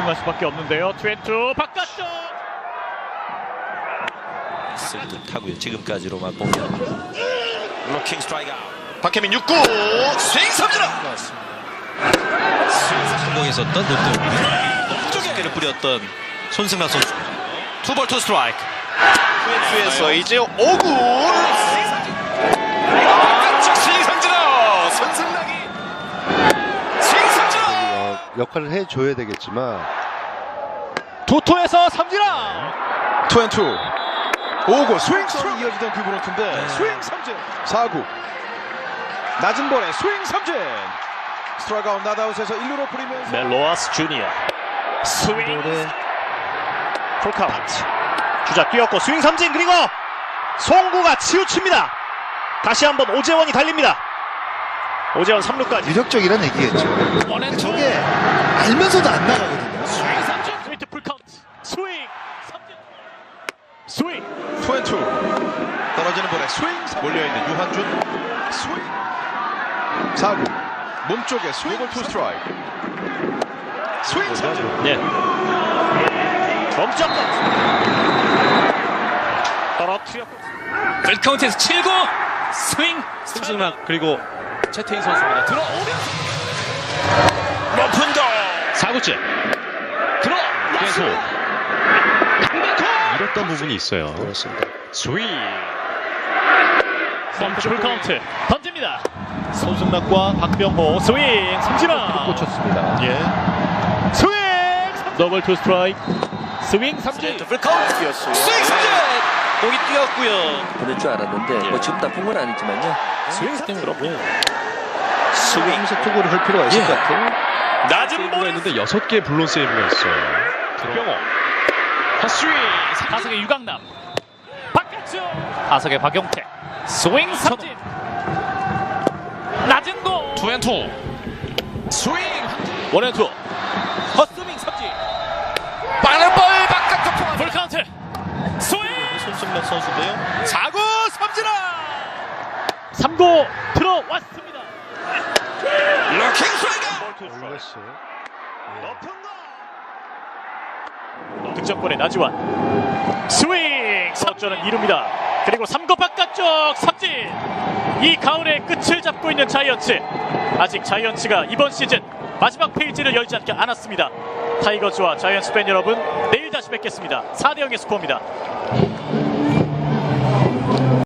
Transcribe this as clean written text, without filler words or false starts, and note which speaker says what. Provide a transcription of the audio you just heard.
Speaker 1: 집중할 수밖에 없는데요. 투앤투 바깥쪽.
Speaker 2: 쓸 듯하고요. 지금까지로만 보면 블로킹 스트라이크 아웃.
Speaker 3: 박혜민 6구 스윙 삼진아.
Speaker 2: 성공했었던 롯데 쪽에를 뿌렸던 손승락 선수. 투볼 투 스트라이크.
Speaker 3: 투에서 이제 5구 스윙 삼진아. 손승락이 스윙 삼진아.
Speaker 4: 역할을 해줘야 되겠지만
Speaker 1: 도토에서 삼진아.
Speaker 3: 투앤투 5구 스윙 스윙 이어지던 그 브론트인데 스윙 삼진. 4구 낮은 볼에 스윙 삼진. 스트라이크 아웃 나다웃에서 1루로 뿌리면서
Speaker 1: 멜로아스 주니어 스윙 풀카운트. 주자 뛰었고 스윙 삼진. 그리고 송구가 치우칩니다. 다시 한번 오재원이 달립니다. 오재원 3루까지.
Speaker 4: 위력적이라는 얘기겠죠. 저게 알면서도 안 나가거든요.
Speaker 1: 스윙 삼진. 스위트 풀카운트. 스윙 삼진. 스윙
Speaker 3: 투앤투 떨어지는 볼에 스윙 몰려있는 유한준 스윙. 4구 몸쪽에 스윙 투 스트라이크 스윙 삼진.
Speaker 1: 네. 멈췄다. 떨어뜨렸고
Speaker 5: 풀카운트에서 7구 스윙
Speaker 1: 손승락 그리고 채태인 선수입니다. 들어오면서
Speaker 2: 높은 공.
Speaker 1: 4구째 들어와서
Speaker 6: 잃었던 부분이 있어요.
Speaker 4: 그렇습니다.
Speaker 1: 스윙 풀카운트 던집니다. 손승락과 박병호 스윙 삼진아 꽂혔습니다.
Speaker 3: 예.
Speaker 1: 스윙 더블 투 스트라이크. 스윙 삼진.
Speaker 2: 풀카운트 뛰었어요. 스윙 삼진. 공이 뛰었고요.
Speaker 7: 보낼 줄 알았는데 뭐 지금 나쁜 건 아니지만요.
Speaker 1: 스윙 삼진 그렇고요.
Speaker 2: 스윙.
Speaker 4: 하면서 투구를 할 필요가 있을 것 같아요.
Speaker 1: 낮은
Speaker 6: 세이브가
Speaker 1: 볼에
Speaker 6: 있는데 6개의 블론 세이브가 있어요.
Speaker 1: 박병호 헛스윙. 타석의 유강남 바깥쪽. 타석의 박용택 스윙 삼진. 낮은 공
Speaker 2: 투앤투.
Speaker 1: 스윙 원앤투 헛스윙 삼진.
Speaker 2: 빠른 볼 바깥쪽.
Speaker 1: 풀카운트 스윙.
Speaker 2: 손승락 선수인데요.
Speaker 1: 4구 삼진아. 3구 들어왔습니다.
Speaker 2: 블로킹 스트라이크.
Speaker 4: 올렸어요.
Speaker 1: 높은 공. 득점권의 나지완 스윙. 석점은 이룹니다. 그리고 3구 바깥쪽 삼진. 이 가을의 끝을 잡고 있는 자이언츠. 아직 자이언츠가 이번 시즌 마지막 페이지를 열지 않았습니다. 타이거즈와 자이언츠 팬 여러분, 내일 다시 뵙겠습니다. 4대0의 스코어입니다.